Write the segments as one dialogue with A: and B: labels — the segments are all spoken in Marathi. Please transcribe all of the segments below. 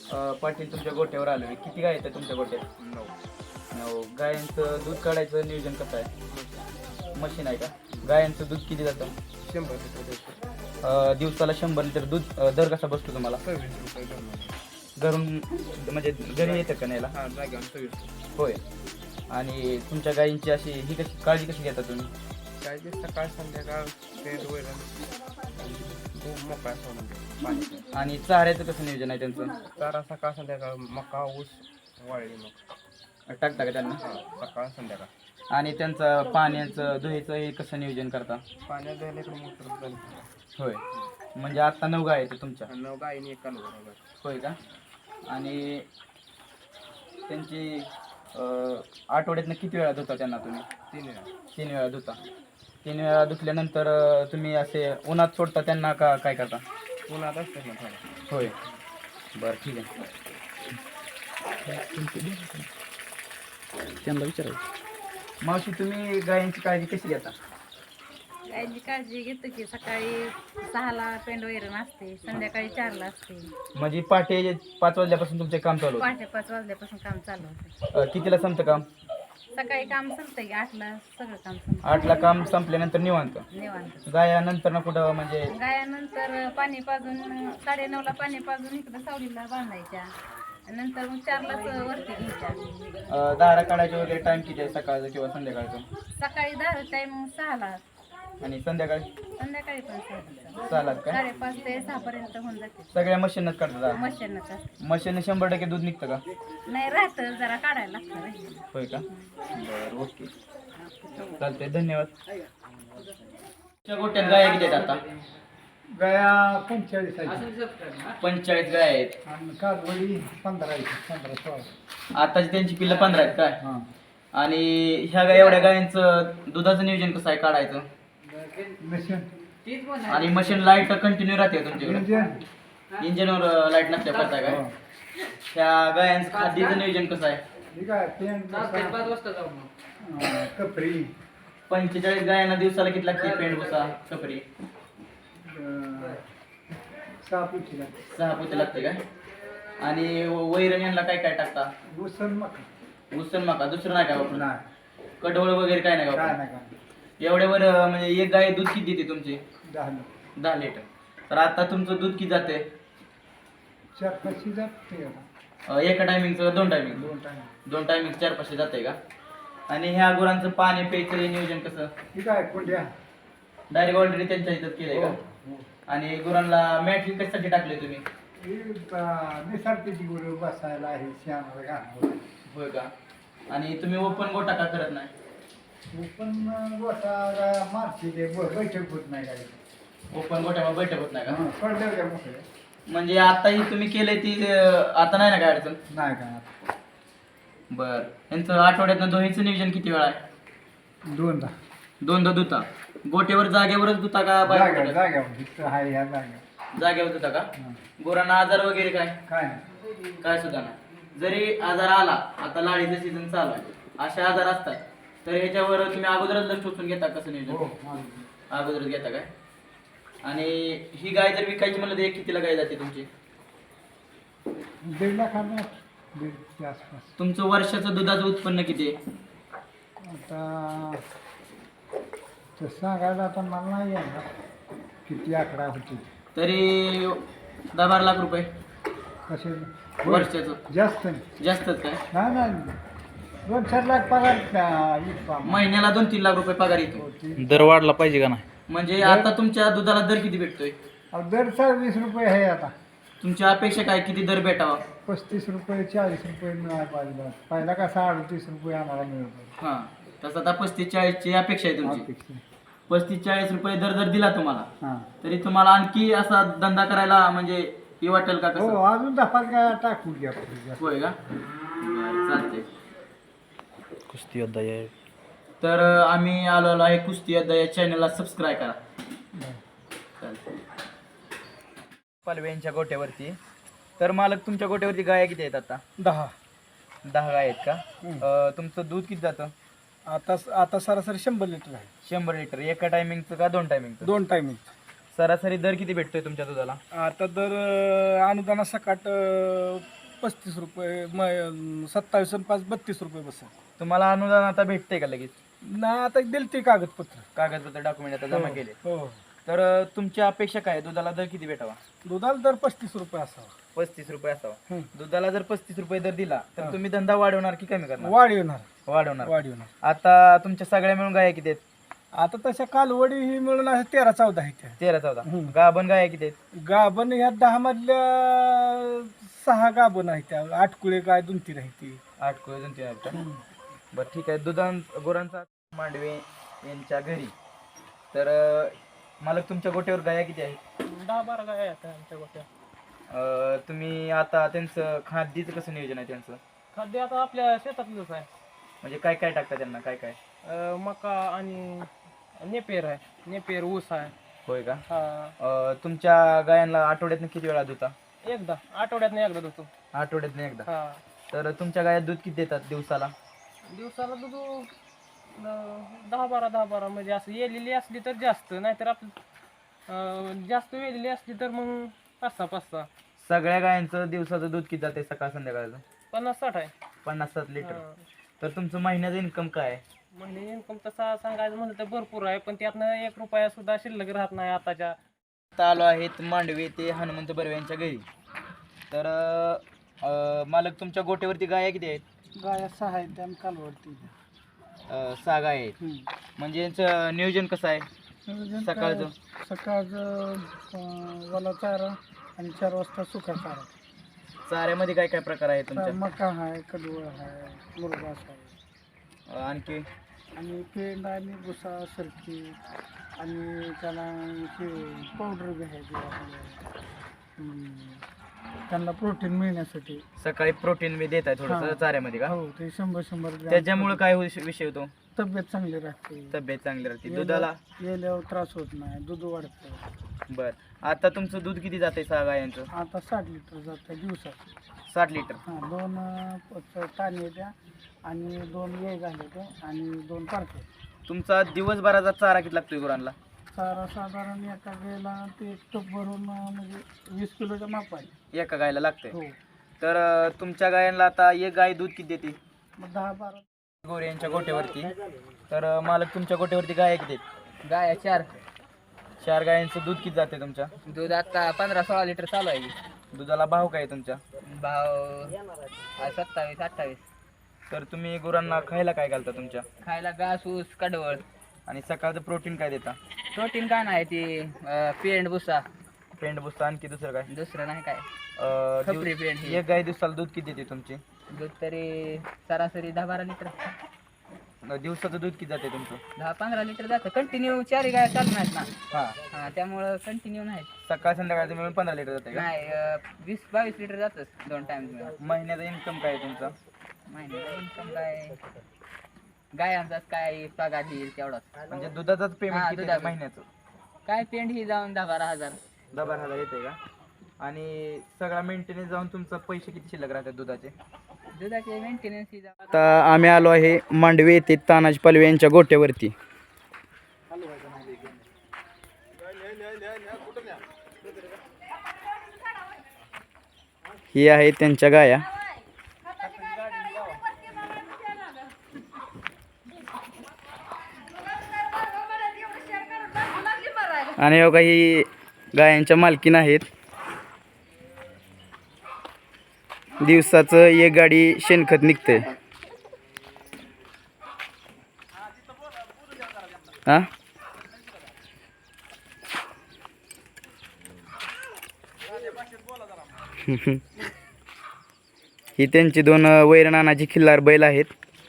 A: पाटील तुमच्या गोट्यावर आलोय. किती गाय आहेत तुमच्या गोट्यात? 9. गायांचं दूध काढायचं नियोजन कसं आहे? मशीन आहे का? गायांचं दूध किती जातं?
B: 100 लिटर
A: दिवसाला 100 लिटर दूध. दर कसा बसतो तुम्हाला?
B: 26 रुपये
A: घरून म्हणजे घरी येतं का न्यायला?
B: हां जाग्यावर 26.
A: होय. आणि तुमच्या गायींची अशी ही कशी काळजी कशी घेता तुम्ही?
B: काय ते सकाळ संध्याकाळ पेंट वैरण मोकळा सोडून देतो पाणी.
A: आणि चाऱ्याचं कसं नियोजन आहे त्यांचं?
B: चारा सकाळ संध्याकाळ मका ऊस वाळली मग
A: टाकता का त्यांना?
B: सकाळ संध्याकाळ.
A: आणि त्यांचं पाण्याचं धुईचं हे कसं नियोजन करता?
B: पाण्यात द्यायला इकडे मोटर बंद.
A: होय. म्हणजे आता 9 गाय आहेत तुमच्या?
B: 9 गायीने एक कालवड.
A: होय का? आणि त्यांची आठवड्यातनं किती वेळा धुता त्यांना तुम्ही?
B: 3 वेळा.
A: 3 वेळा धुता. 3 वेळा धुतल्यानंतर तुम्ही असे उन्हात सोडता त्यांना का काय करता?
B: उन्हात असतात ना थोडं.
A: होय. बरं ठीक आहे. त्यांना विचारायचं. मावशी तुम्ही गायांची काळजी कशी घेता?
C: गायची काळजी घेतो की सकाळी 6ला पेंड वैरण असते, संध्याकाळी 4ला असते.
A: म्हणजे पहाटे 5 वाजल्यापासून तुमचे काम चालू होतं?
C: पहाटे 5 वाजल्यापासून काम चालू होतं.
A: कितीला संपतं काम?
C: सकाळी काम संपतं की 8ला सगळं काम संपतं.
A: 8ला काम संपल्यानंतर निवांत.
C: निवांत.
A: गायानंतर ना कुठं म्हणजे
C: गायानंतर पाणी पाजून 9:30ला पाणी पाजून इकडं सावलीला बांधायच्या. आणि नंतर मग 4लाच वरती घ्यायच्या.
A: दारा काढायचे वगैरे टाइम किती आहे सकाळचं किंवा संध्याकाळचं?
C: सकाळी 10 टाईम 6ला,
A: आणि संध्याकाळी
C: संध्याकाळी पण 6ला.
A: चालत काय?
C: 5:30 ते 6 पर्यंत होऊन जाते.
A: सगळ्या मशीनच काढतात?
C: मशीनच असते.
A: मशीन 100% दूध निघतं का?
C: नाही राहतं, जरा काढायला लागतं रे.
A: होय का? बरं ओके चालतंय धन्यवाद. तुमच्या गोट्यात गाया किती आहेत आता?
D: गाया 45 आहेत
A: 45 गाय आहेत.
D: आणि कागवडी 15 आहेत 15-16.
A: आताची त्यांची पिल्लं 15 आहेत काय?
D: हां.
A: आणि ह्या गाय एवढ्या गायांचं दुधाचं नियोजन कसं आहे काढायचं?
D: मिशन
A: आणि मशीन लाईट कंटिन्यू राहते का तुमच्याकडे?
D: इंजन
A: इंजिनवर लाईट नसते करताय काय? त्या गायांचं खाद्याचं नियोजन कसं आहे?
D: ठीक आहे कपरी
A: 45 गायांना दिवसाला किती लागते पेंड भुसा कपरी?
D: 6 पुटीला
A: 6 पोते लागते काय? आणि वैरण यांना काय काय टाकता?
D: उसण मका
A: उसन मका दुसरं नाही काय वापरत?
D: नाही
A: कडवळ वगैरे काय नाही
D: काय
A: वापरत?
D: नाही काय
A: एवढ्यावर म्हणजे एक गाय दूध किती देते तुमची? 10 लिटर. तर आता तुमचं दूध किती जाते?
D: 4-5 जाते आता.
A: एका टायमिंगचं 2 टायमिंग?
D: 2 टाइम
A: 2 टायमिंग 4-5 जाते का? आणि ह्या गुरांचं पाणी प्यायचं हे नियोजन कसं?
D: ठीक आहे कोंड्या
A: डायरेक्ट ऑलरेडी त्यांच्या इथं केलंय का?
D: हो.
A: आणि गुरांना मॅट कशासाठी टाकले तुम्ही?
D: निसर्गाची गुरु बसायला आहे श्यामाला घालून.
A: होय का? आणि तुम्ही ओपन गोटा का करत नाही?
D: पण गोटा मारते ते बैठक होत नाही काय.
A: ओपन गोट्यावर बैठक होत नाही का?
D: पडल्या त्या मोकळ्या
A: म्हणजे आता ही तुम्ही केलंय ती आता नाही ना काय अडचण?
D: नाही काय
A: बर. यांचं आठवड्यातनं दोन्हीचं नियोजन किती वेळा आहे?
D: 2दा
A: दोनदा धुता? गोट्यावर जागेवरच धुता का बाहेर कुठं?
D: जाग्यावर इथं आहे ह्या जाग्यावर.
A: जागेवर धुता का? गुरांना आजार वगैरे काय?
D: काय नाही
A: काय सुद्धा नाही. जरी आजार आला, आता लाळीचं सीझन चालू आहे, असे आजार असतात तर ह्याच्यावर तुम्ही अगोदरच लक्ष टोचून घेता कसं
D: हो
A: नियोजन? अगोदरच घेता काय? आणि ही गाय जर विकायची म्हणलं तर एक कितीला गाय जाते तुमची?
D: 1.5 लाखांना 1.5च्या आसपास.
A: तुमचं वर्षाचं दुधाचं उत्पन्न किती आहे?
D: आता तर सांगायला आता मला नाही येणार किती आकडा होती
A: तरी 10-12 लाख रुपये
D: कसे
A: वर्षाचं?
D: जास्त नाही
A: जास्तच काय?
D: नाही 2-4 लाख पगार
A: महिन्याला 2-3 लाख रुपये पगार येतो.
D: होती.
E: दर वाढला पाहिजे का नाही?
A: म्हणजे आता तुमच्या दुधाला दर किती भेटतोय?
D: दर 20 रुपये आहे आता.
A: तुमची अपेक्षा काय किती दर भेटावा?
D: 35 रुपये 40 रुपये मिळायला पाहिजे. पहिला कसा 38 रुपये आम्हाला मिळत
A: हां, तसं आता 35-40 ची अपेक्षा आहे तुमची.
D: अपेक्षा.
A: 35-40 रुपये दर जर दिला तुम्हाला
D: हां
A: तरी तुम्हाला आणखी असा धंदा करायला म्हणजे हे वाटेल का
D: हो
A: कसं?
D: अजून 10 काय टाकू घ्या
A: होय का? बरं, चालतंय.
E: कुस्ती अध्याय
A: तर आम्ही आलेलो आहे कुस्ती अध्याय या चॅनलला सबस्क्राईब करा. चालतंय. पालवे यांच्या गोट्यावरती. तर मालक तुमच्या गोट्यावरती गाया किती आहेत आता?
D: 10
A: गाय आहेत का? तुमचं दूध किती जातं?
D: आता सरासरी 100 लिटर आहे.
A: 100 लिटर. एका टायमिंगचं का 2 टायमिंगचं?
D: 2 टायमिंग
A: सरासरी दर किती भेटतोय तुमच्या दुधाला?
D: आता दर अनुदानासकट 35 रुपये 27 आणि 5 32 रुपये बसेल.
A: तुम्हाला अनुदान आता भेटते का लगेच?
D: नाही आता दिली ते कागदपत्र.
A: कागदपत्र डॉक्युमेंट आता जमा केले.
D: हो.
A: तर तुमची अपेक्षा काय आहे? दुधाला दर किती भेटावा?
D: दुधाला दर 35 रुपये असावा.
A: 35 रुपये असावा.
D: हं.
A: दुधाला जर 35 रुपये दर दिला तर तुम्ही धंदा वाढवणार की कमी करणार?
D: वाढवणार.
A: वाढवणार. आता तुमच्या सगळ्या मिळून गाया किती आहेत?
D: आता तशा कालवडी ही मिळून 13-14 आहेत त्या.
A: 13-14.
D: हं.
A: गाभण गाया किती आहेत?
D: गाभण ह्या 10 मधल्या 6 गाभण आहेत त्या. 8 कुळे गाय 2-3 आहेत ती.
A: 8 कुळे 2-3 आहेत का? बरं ठीक आहे. गुरांचा मांडवे यांच्या घरी. तर मालक तुमच्या गोट्यावर गाया किती आहेत?
B: 10-12 गाय आहेत आमच्या गोट्या.
A: तुम्ही आता त्यांचं खाद्यचं कसं नियोजन आहे त्यांचं?
B: खाद्य आता आपल्या शेतातलंच आहे.
A: म्हणजे काय काय टाकता त्यांना? काय काय?
B: मका आणि नेपेर आहे. नेपेर ऊस आहे.
A: होय का?
B: हा.
A: तुमच्या गायांना आठवड्यातनं किती वेळा धुता?
B: एकदा आठवड्यातनं एकदा धुतो.
A: आठवड्यातनं एकदा.
B: हा.
A: तर तुमच्या गायात दूध किती देतात दिवसाला?
B: दिवसाला दूध 10-12 म्हणजे असं येलेली असली तर जास्त, नाहीतर आपलं जास्त वेलेली असली तर मग 5-6.
A: सगळ्या गायांचं दिवसाचं दूध किती जाते सकाळ संध्याकाळचं?
B: 50-60 आहे.
A: 50-60 लिटर.
B: हा.
A: तर तुमचं महिन्याचं इन्कम काय आहे?
B: म्हणजे इन्कम तसा सांगायचं म्हणलं तर भरपूर आहे, पण त्यातनं 1 रुपया सुद्धा शिल्लक राहत नाही आताच्या.
A: आता आलो आहेत मांडवे ते हनुमंत बर्वे यांच्या घरी. तर मालक तुमच्या गोट्यावरती गाया किती आहेत?
D: गाया 6 आहेत त्या कालवडती.
A: 6 गाय आहेत. म्हणजे यांचं नियोजन कसं आहे सकाळचं?
D: सकाळचं वाला चारा आणि 4 वाजता सुका चारा.
A: चाऱ्यामध्ये काय काय प्रकार आहे तुमच्या?
D: मका आहे, कडवळ आहे, मुरघास आहे,
A: आणखी
D: आणि पेंड आणि भुसा सरकी आणि त्याला ते पावडर घ्यायची आपल्याला. त्यांना प्रोटीन मिळण्यासाठी.
A: सकाळी प्रोटीन मी देत आहे थोडंसं
D: हा.
A: चाऱ्यामध्ये का?
D: हो, ते 100 ग्रॅम.
A: त्याच्यामुळे काय विषय होतो?
D: तब्येत चांगली राहते.
A: तब्येत चांगली राहते. दुधाला
D: गेल्यावर त्रास होत नाही, दूध वाढतं.
A: बर. आता तुमचं दूध किती जाते 6 गायांचं?
D: आता 60 लिटर जातं दिवसात.
A: 60 लिटर.
D: हां, 2 ताने द्या आणि 2 वेळ झाले ते आणि 2 पारखे.
A: तुमचा दिवसभराचा चारा किती लागतोय गुरांना?
D: चारा साधारण एका वेळेला ते एक टप भरून म्हणजे 20 किलोच्या माप आहे.
A: एका गायला लागतंय.
D: हो.
A: तर तुमच्या गायांना आता एक गाय दूध किती देते?
D: मग 10-12.
A: गोरे यांच्या गोट्यावरती. तर मालक तुमच्या गोट्यावरती गाय किती आहेत?
C: गाया 4.
A: 4 गायांचं दूध किती जाते तुमच्या?
C: दूध आता 15-16 लिटर चालू आहे.
A: दुधाला भाव काय आहे तुमच्या?
C: भाव 27-28.
A: तर तुम्ही गुरांना खायला काय घालता तुमच्या?
C: खायला घास, ऊस, कडवळ.
A: आणि सकाळचं प्रोटीन काय देता?
C: प्रोटीन काय नाही, ती पेंड भुसा.
A: पेंड बुसता. आणखी दुसरं काय?
C: दुसरं नाही काय.
A: दिव-
C: खपरी पेंड ही.
A: एक गाय दिवसाला दूध किती देते तुमची?
C: दूध तरी सरासरी 10-12 लिटर.
A: दिवसाचं दूध किती जाते तुमचं?
C: 10-15 लिटर जातं. कंटिन्यू 4 गाय चालू नाहीत ना.
A: हां.
C: हा, त्यामुळं कंटिन्यू नाही.
A: सकाळ संध्याकाळचं मिळून 15 लिटर जाते का?
C: नाही 20-22 लिटर जातच 2 टाइम.
A: महिन्याचा इन्कम काय आहे तुमचा?
C: महिन्याचा इन्कम काय, गायांचाच काय पगार येईल तेवढाच.
A: म्हणजे दुधाचाच
C: हां,
A: पेमेंट किती
C: दुधाचं.
A: महिन्याचं?
C: काय पेंड ही जाऊन 10-12 हजार.
A: 10-12 येते का? आणि सगळा मेंटेनन्स जाऊन तुमचं पैसे किती शिल्लक राहतात दुधाचे?
C: दुधाचे मेंटेनन्स ही जाऊन.
A: आता आम्ही आलो आहे मांडवे येथे तानाजी पालवे यांच्या गोट्यावरती. ही आहे त्यांच्या गाया. आणि बघा ही गायांच्या मालकीन आहेत. दिवसाचं एक गाडी शेणखत निघतंय. हा. ही त्यांची 2 वैरनानाची खिल्लार बैल आहेत.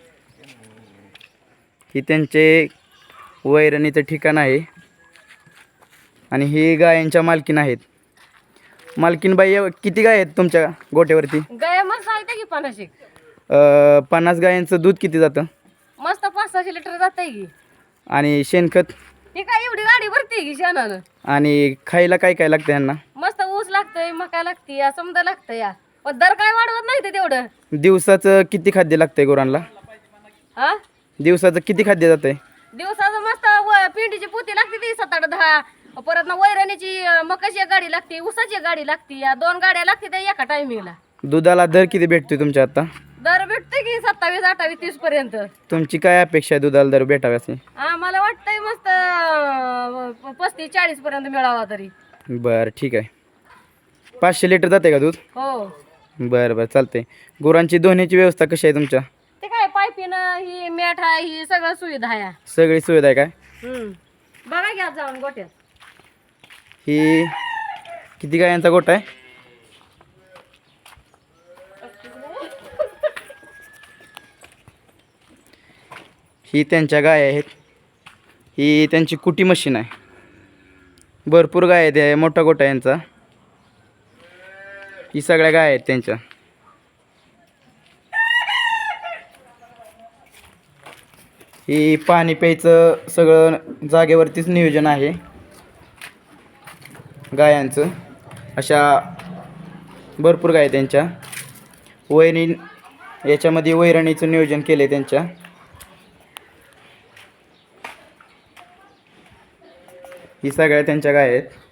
A: ही त्यांचे वैरणीचं ठिकाण आहे आणि ही गायांच्या मालकीन आहेत. मालकीन बाई किती गाय आहेत तुमच्या गोट्यावरती?
F: गाय मस्त सांगते की 50.
A: 50 गायांचं दूध किती जातं?
F: मस्त 500 लिटर जाते की.
A: आणि शेणखत
F: ही काय एवढी गाडी भरते की शेणानं.
A: आणि खायला काय काय लागतं यांना?
F: मस्त ऊस लागतंय, मका लागते, या समजा लागतं या. पण दर काय वाढवत नाही ते तेवढं.
A: दिवसाचं किती खाद्य लागतंय गुरांना?
F: हा,
A: दिवसाचं किती खाद्य जातंय?
F: दिवसाचं मस्त पिंडीची पोती लागते ती 7-8-10. परत ना वैरणीची मकाची एक गाडी लागते, ऊसाची एक गाडी लागते, या 2 गाड्या लागते त्या एका टायमिंगला.
A: दुधाला दर किती भेटतोय तुमच्या आता?
F: दर भेटते की 27, 28, 30 पर्यंत.
A: तुमची काय अपेक्षा आहे दुधाला दर भेटाव्याची?
F: आम्हाला वाटतंय मस्त 35, 40 पर्यंत मिळावा तरी.
A: बरं ठीक आहे. 500 लिटर जाते का दूध?
F: हो.
A: बरं बरं चालतंय. गुरांची धुण्याची व्यवस्था कशी आहे तुमच्या?
F: ते काय पायपीनं ही मॅट आहे, ही सगळं सुविधा आहे.
A: सगळी सुविधा आहे काय?
F: बघा घ्या जाऊन गोट्यात.
A: ही किती गायांचा गोठा आहे? ही त्यांच्या गाय आहेत. ही त्यांची कुटी मशीन आहे. भरपूर गाय आहेत, हे मोठा गोठा आहे यांचा. ही सगळ्या गाय आहेत त्यांच्या. ही पाणी प्यायचं सगळं जागेवरतीच नियोजन आहे गायांचं. अशा भरपूर गाय आहेत त्यांच्या. याच्यामध्ये वैरणीचं नियोजन केलं आहे त्यांच्या. ही सगळ्या त्यांच्या गाय आहेत.